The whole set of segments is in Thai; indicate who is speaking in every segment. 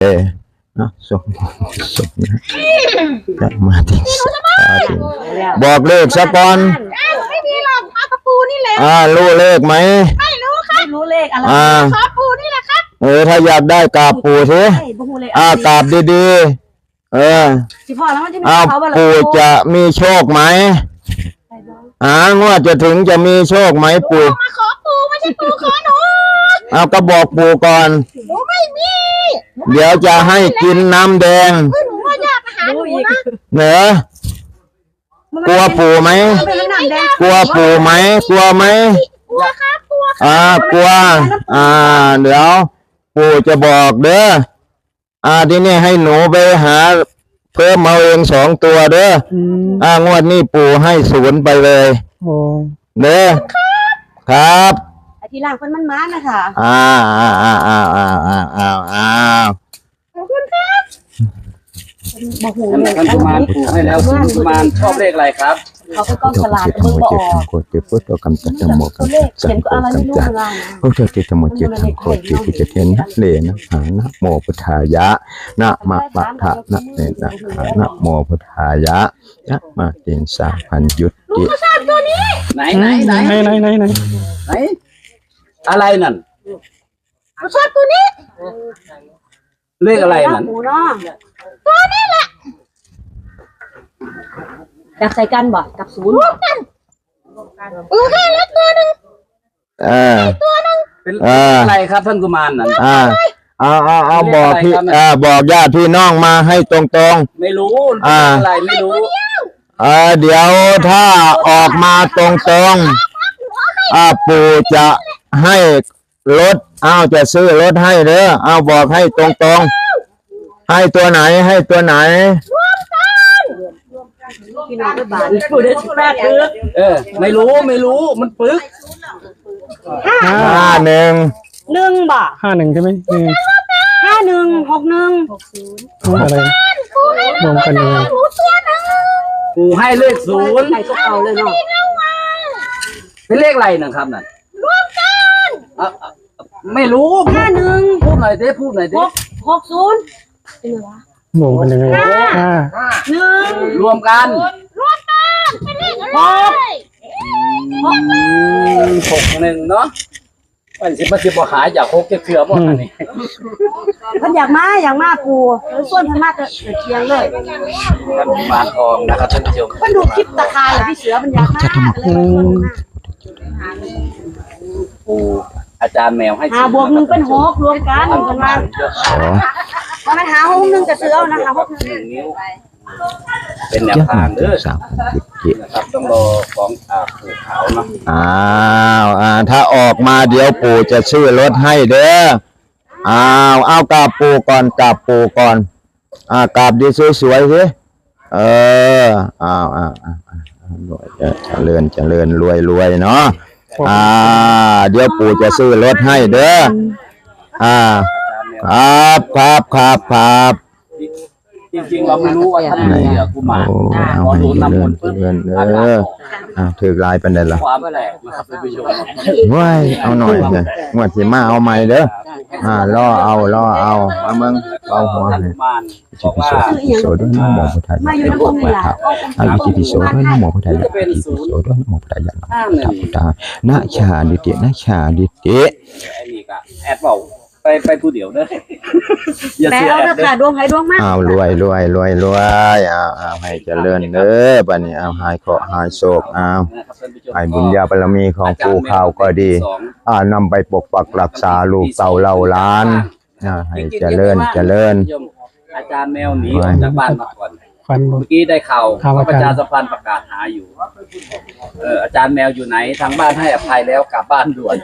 Speaker 1: นะส่งจะมาถึงบอกเลขสักก่อน
Speaker 2: ไม่มีหรอกเอากระปูนี่แหละ
Speaker 1: รู้เลขไหม
Speaker 2: ไม่รู้ครับรู้เลขอะไรขอปูนี่แหละครับ
Speaker 1: ถ้าอยากได้กราบปู่สิกราบดีๆปู่จะมีโชคไหมงวดจะถึงจะมีโชคไหมปู่
Speaker 2: มาขอปูไม่ใช่ปูขอหนู
Speaker 1: ก็บอกปู่ก่อน
Speaker 2: หนูไม่มี
Speaker 1: เดี๋ยวจะให้กินน้ำแดง
Speaker 2: หนูว่าอยากหาหนูนะ
Speaker 1: เหนือกลัวปู่ไหมกลัวปู่ไหมกลัวไหม
Speaker 2: กลัวครับกลัว
Speaker 1: กลัวเดี๋ยวปู่จะบอกเด้อที่นี่ให้หนูไปหาเพิ่มเอาเอง2 ตัวเด้องวดนี้ปู่ให้0ไปเลยเด้อครับ
Speaker 2: ทีหลังคนมันมานะคะขอบคุณครับบอกหูเลย
Speaker 3: ท่านกุมารปู่ให้แล้วกุมารชอบเลขอะไรครับ
Speaker 2: เขาก็ต้องฉลาดมือบอก
Speaker 1: โคจิพุทธกรรมจัตตโมกรรมจัตตโมกรรมจัตพุทธจิตโมจิตธรรมโคจิปิจเทนะเลนะหานะโมพุทธายะนะมะปะทะนะเนนะหานะโมพุทธายะนะมาตินสาพันยุติ
Speaker 3: ไหนอะไรนั่น
Speaker 2: ชอบตัวนี้
Speaker 3: เลขอะไรนั่น
Speaker 2: ตัวนี้แหละอยากใส่กันบ่กับ0รวมกันให้แล้วตัวนึงตัวนึง
Speaker 3: เป็นอะไรครับท่านกุมารนั่น
Speaker 1: เอาบอกพี่บอกญาติพี่น้องมาให้ตรง
Speaker 3: ๆไม่รู้อะไรไม่รู้
Speaker 1: เดี๋ยวถ้าออกมาตรงปู่จะให้รถจะซื้อรถให้เด้อบอกให้ตรงให้ตัวไหนให้ตัวไหน
Speaker 2: พี่น้องก็บาดปู่ได้ชุดแรก
Speaker 3: ไม่รู้มันปึก
Speaker 1: 51
Speaker 2: บ่
Speaker 4: 51ใช่ไหม
Speaker 2: 5161
Speaker 4: อะไรรวมกันเลย
Speaker 3: ปู่ให้เลข0
Speaker 2: ใส่ก็เอาเลยเนาะ
Speaker 3: เป็นเลขอะไรนะครับนั่น
Speaker 2: รวมกัน
Speaker 3: ไม่รู้
Speaker 2: 51
Speaker 3: พูดหน่อยดิ60เป็นไง
Speaker 2: วะ
Speaker 4: รวมกันยังไง
Speaker 3: รวมกัน
Speaker 2: เป็นเลขอะไร
Speaker 3: 61เนาะมันสิบ่หายอยาก6เทื่อบ่อันนี้
Speaker 2: เพิ่นอยากมาปูส่วนเพิ่นมาจะเคียงเลย
Speaker 3: ท่านมารทองนะครับท่านผู้ชม
Speaker 2: เพิ่นดูคลิปตะคายเหรอพี่เสือมันอยากมา
Speaker 3: ปูอาจารย์แมวให้
Speaker 2: 5 บวก 1เป็น6รวมกันเพิ่นว่ามันหา6 1จะซื้อเอานะคะ6 1
Speaker 3: นิ้วเป็นแนวทางเด้อครับต้องรอของปู่ขาวเนาะ
Speaker 1: ถ้าออกมาเดี๋ยวปู่จะซื้อรถให้เด้อเอากราบปู่ก่อนกราบปู่ก่อนกราบดีสวยๆสิเจริญรวยเนาะเดี๋ยวปู่จะซื้อรถให้เด้อครับ
Speaker 3: จริงๆเราไม่รู้ว่าท่านไหนกุมารพอโดนน้ำมนต์ปึ๊บ
Speaker 1: ถือลายเป็นไงล่ะ
Speaker 3: ความแปลกนะครับท่านผู้ชม
Speaker 1: ว้ายเอาหน่อยเลยงวดสิมาเอาใหม่เด้อล่อเอามึงเอาหัวเลยจิตพิโสด้วยน้ำหมอพุทธายะเป็นพวกวัดเท้าจิตพิโสด้วยน้ำหมอพุทธายะจิตพิโสด้วยน้ำหมอพุทธายะพุทธานาชาดิเตนาชาดิเต
Speaker 3: ไอ้นี่ก็แอดเบาไปผู้เดียวเด้อ
Speaker 2: อย่าเสียแอดเด้อดวงให้ดวงมาก
Speaker 1: รวยให้เจริญเด้อบัดนี้หายเคราะห์หายโศกให้บุญญาบารมีของปู่ข้าวก็ดีนำไปปกปักรักษาลูกเต่าเล่าล้านให้เจริญ
Speaker 3: อาจารย์แมวหนีออกจากบ้านมาก่อนเมื่อกี้ได้ข่าวประชาสัมพันธ์ประกาศหาอยู่อาจารย์แมวอยู่ไหนทางบ้านให้อภัยแล้วกลับบ้านด่วน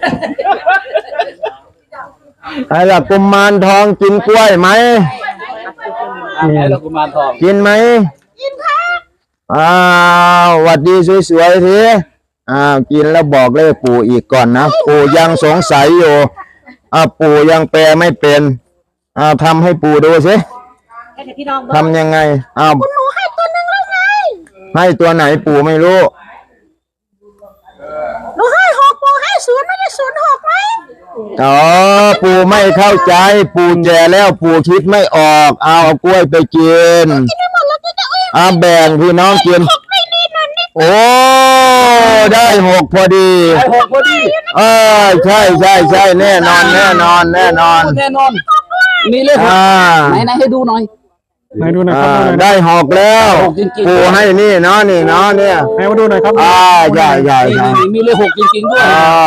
Speaker 1: ไอ้ละกุมารทองกินกล้วยไหม
Speaker 3: ไอ้ละกุมารทอง
Speaker 1: กินไหม
Speaker 2: กินครับ
Speaker 1: หวัดดีสวยๆทีกินแล้วบอกเลขปู่อีกก่อนนะปู่ยังสงสัยอยู่ปู่ยังแปลไม่เป็นทำให้ปู่ดูสิทำยังไง
Speaker 2: คุณหนูให้ตัวนึงแล้วไง
Speaker 1: ให้ตัวไหนปู่ไม่รู้
Speaker 2: หนูให้6ปู่ให้0ไม่ได้06ไหม
Speaker 1: อ๋อปู่ไม่เข้าใจปู่แก่แล้วปู่คิดไม่ออกเอากล้วยไปกินแบ่งพี่น้องกินโอ้ได้6พอดี
Speaker 3: ได้6พอดี
Speaker 1: ใช่แน่นอน
Speaker 3: แน่นอนมีเลขหกไหนให้ดูหน่อย
Speaker 4: ไหนดูหน่อยครับ
Speaker 1: ได้6แล้วปู่ให้นี่เนาะนี่เนาะเนี่ย
Speaker 4: ไหนมาดูหน่อยครับ
Speaker 1: ใช่
Speaker 3: มีเลข6จริงๆด้วย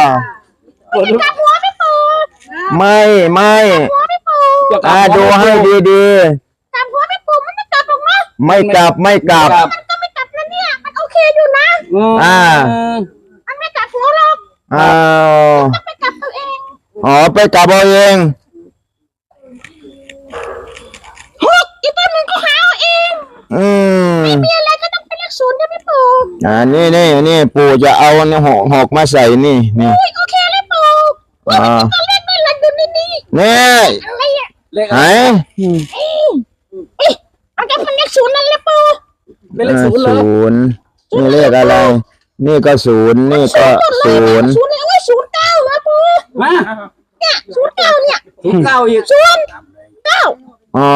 Speaker 1: ไม่ดูให้ดี
Speaker 2: ตามหัวไม่ปูมันไม่กลับหรอกนะ
Speaker 1: ๆไม่กลับ
Speaker 2: มันก็ไม่กลับนะเนี่ยมันโอเคอยู่นะมันไม่กลับหัวหรอกต้องไปกลับตัวเอง
Speaker 1: ไปกลับเอาเอง
Speaker 2: อีกตัวหนึ่งก็หาเอาเองไม่มีอะไรก็ต้องเป็นเลข0นะพี่ปู่
Speaker 1: นี่ปู่จะเอาหกมาใส่นี่
Speaker 2: โอเคเลยปู่ตัวเลขไม่หลักอยู่ในนี้อะไรอ่ะ
Speaker 3: เลข
Speaker 1: ไหน
Speaker 2: มันจะเป็นเลข0นั่นแหละปู่
Speaker 3: เป็นเลข0เลย
Speaker 1: นี่เลขอะไรนี่ก็0นี่ก็0
Speaker 2: เลย09นะปู่เนี่ย09เนี่ย
Speaker 3: 09อีก
Speaker 2: 09
Speaker 1: อ๋อ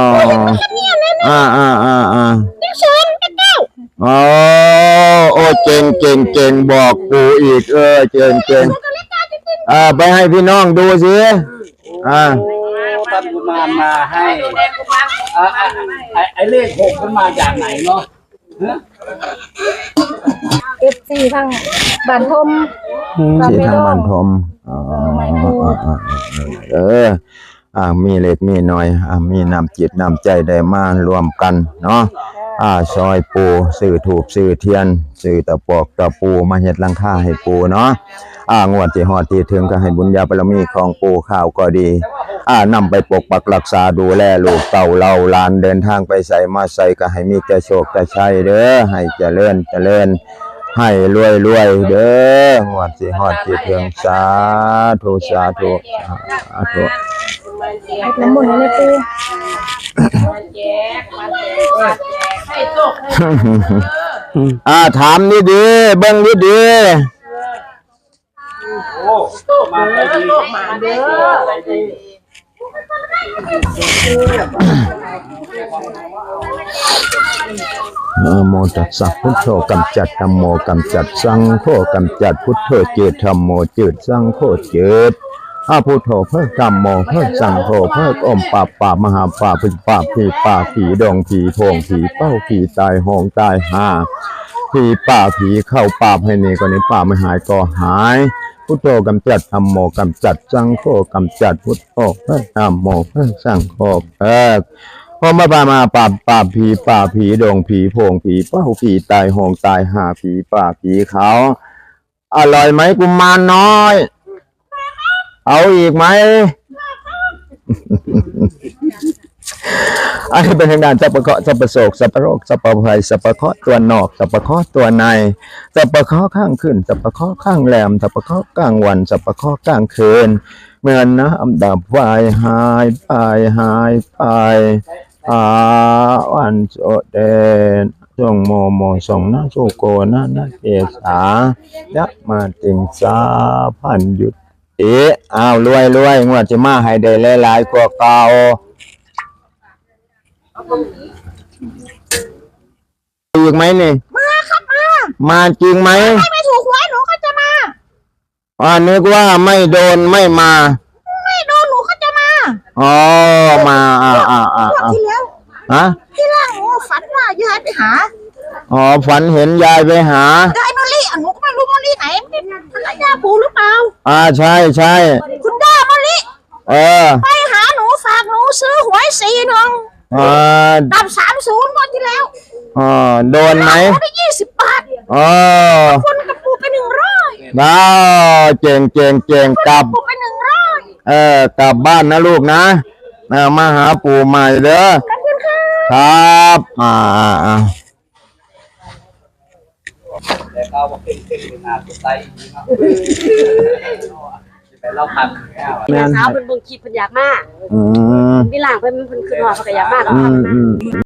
Speaker 2: เลข0
Speaker 1: โอ้เก่งบอกปู่อีกเก่งไปให้พี่น้องดูสิ
Speaker 3: ท่านกุมารมาให้ไอเลข6มันมาจากไหนเนาะ
Speaker 2: FC ทางบ้านทม
Speaker 1: ที่ทางบ้านทมมีเล็กมีน้อยมีน้ำจิตน้ำใจได้มารวมกันเนาะซอยปูสื่อถูกสื่อเทียนสื่อตะปอกตะปูมาเฮ็ดหลังคาให้ปูเนาะงวดที่ฮอดที่ถึงก็ให้บุญญาบารมีของปูข้าวก็ดีนำไปปกปักรักษาดูแลลูกเต่าเราหลานเดินทางไปใส่มาใส่ก็ให้มีแต่โชคแต่ชัยเด้อให้เจริญให้รวยเด้องวดที่ฮอดที่ถึงสาธุ
Speaker 2: น้ำมนต์เลยปู
Speaker 1: ถามดีๆเบิ่งดี
Speaker 3: มาเด้อ
Speaker 1: นะโมตัสสะพุทโธกำจัดธัมโมกำจัดสังโฆกำจัดพุทโธจืดธัมโมจืดสังโฆจืดพุทโธเพิกธัมโมเพิกสังโฆเพิกอมป่ามหาป่าผีดงผีโพงผีเป้าผีตายโหงตายหาผีเข้าป่าให้นี่ก็นี้ป่าไม่หายก็หายพุทโธกำจัดธัมโมกำจัดสังโฆกำจัดพุทโธเพิกธัมโมเพิกสังโฆเพิกพอมาป่าผีดงผีโพงผีเป้าผีตายโหงตายหาผีเขาอร่อยไหมกุมารน้อยเอาอีกไหมอันนี้เป็นทางด้านสัพพะเคราะห์สัพพะโศกสัพพะโรคสัพพะภัยสัพพะเคราะห์ตัวนอกสัพพะเคราะห์ตัวในสัพพะเคราะห์ข้างขึ้นสัพพะเคราะห์ข้างแรมสัพพะเคราะห์กลางวันสัพพะเคราะห์กลางคืนเมื่อน้ำดับไฟหายไปวันโสเดนจงโมส่งนาโชโกนาเกษายะมาติงสาพันยุตรวยงวดจะมาให้ได้หลายๆกว่าเก่าอีกไหมนี่
Speaker 2: มาครับ
Speaker 1: มาจริงไหม
Speaker 2: ไม่ถูกหวยหนูก็จะมา
Speaker 1: นึกว่าไม่โดนไม่มา
Speaker 2: หนูก็จะมา
Speaker 1: มา
Speaker 2: ที่แล้วที่แรกหนูฝันว่ายายไปหา
Speaker 1: ฝันเห็นยายไปหาย
Speaker 2: ายมะลิหนูก็ไม่รู้มะลิไหนเป็นภรรยาปู่หรือเปล่า
Speaker 1: ใช่
Speaker 2: คุณย่ามะลิไปหาหนูฝากหนูซื้อหวย41ดับ30งวดที่แล้ว
Speaker 1: โดนไหม
Speaker 2: ได้20 บาทคนกับปู่ไป100
Speaker 1: เก่งกลับ
Speaker 2: ปู่ไป100
Speaker 1: กลับบ้านนะลูกนะมาหาปู่ใหม่เด้อ
Speaker 2: ขอบคุณ
Speaker 1: ครับ
Speaker 3: แต่เขาบอกเป็นนาตัวไตเราพัง
Speaker 2: แม่สาวเป็นเบิ่งคลิปเพิ่นอยากมากพี่หลางเพิ่นคือหอดเพิ่นก็อยากมาก